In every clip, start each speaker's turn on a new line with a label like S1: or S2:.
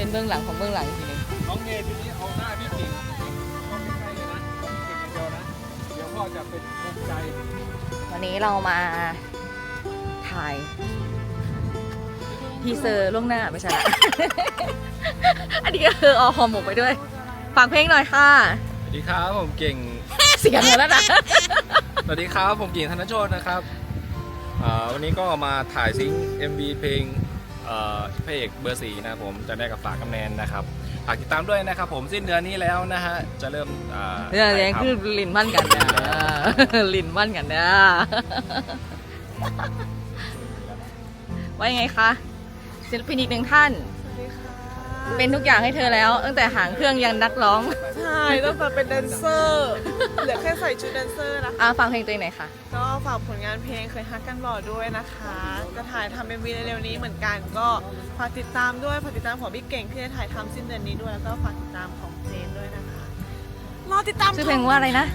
S1: เบื้องหลังของเบื้องหลังอีกทีหนึง
S2: น้องเมย์ทีนี้เอาหน้าพี่กิ่งเข้าใกล้ๆเลยนะเก่งอย่างเดียวนะเดี๋ยวพ่อจะเป็นภูมิใจ
S1: วันนี้เรามาถ่ายทีเซอร์ล่วงหน้าไม่ใช่ละ อันนี้ก็คือเอาหอมหมกไปด้วยฝากเพลงหน่อยค่ะ
S2: สวัสดีครับผมเก่ง
S1: เสียงแล้วนะ
S2: สวัสดีครับผมเก่งธนโชตนะครับวันนี้ก็มาถ่ายซิงค์ MV เพลงพระเอกเบอร์4นะครับผมจะได้กับฝากกำแนนนะครับฝากติดตามด้วยนะครับผมสิ้นเดือนนี้แล้วนะฮะจะเริ่ม
S1: เรื่องนี้คือลิ้นมั่นกันนะ ลิ้นมั่นกันนะ ว่ายังไงคะศิลปินอีกหนึ่งท่าน เป็นทุกอย่างให้เธอแล้ว ตั้งแต่หางเครื่องยันนักร้อง
S3: ใช่ต้องมาเป็นแดนเซอร์เหลือแค่ใส่ชุดแดนเซอร์นะคะ
S1: ฟังเพลงตัวเองหน่อยค่ะ
S3: ก็ฝากผลงานเพลงเคยฮักกันบ่อด้วยนะคะจะถ่ายทำเป็นวีเร็วๆนี้เหมือนกัน ก็ฝากติดตามด้วยฝากติดตามของพี่เก่งที่จะถ่ายทำสิ้นเดือนนี้ด้วยแล้วก็ฝากติดตามของเจนด้วยนะคะรอติดตาม
S1: ชื่อเพลงว่าอะไรนะ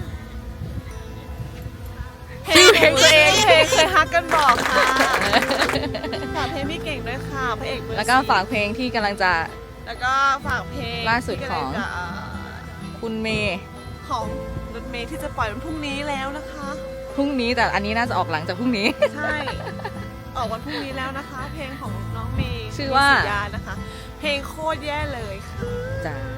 S3: ชื่อเพลงตัวเองเพลงเคยฮักกันบ่อค่ะฝากเพลงพี่เก่งด้วยค่ะพระเอกเบอร์
S1: แล้วก็ฝากเพลงที่กำลังจะ
S3: แล้วก็ฝากเพลง
S1: ล่าสุดของ
S3: ที่กำลัจะ
S1: คุณเมย์
S3: ของรถเมย์ที่จะปล่อยวันพรุ่งนี้แล้วนะคะ
S1: พรุ่งนี้แต่อันนี้น่าจะออกหลังจากพรุ่งนี้
S3: ใช่ ออกวันพรุ่งนี้แล้วนะคะ เพลงของน้องเมย์
S1: ชื่อว่า
S3: ศรียานะคะ เพลงโคตรแย่เลยค่ะ
S1: จ้า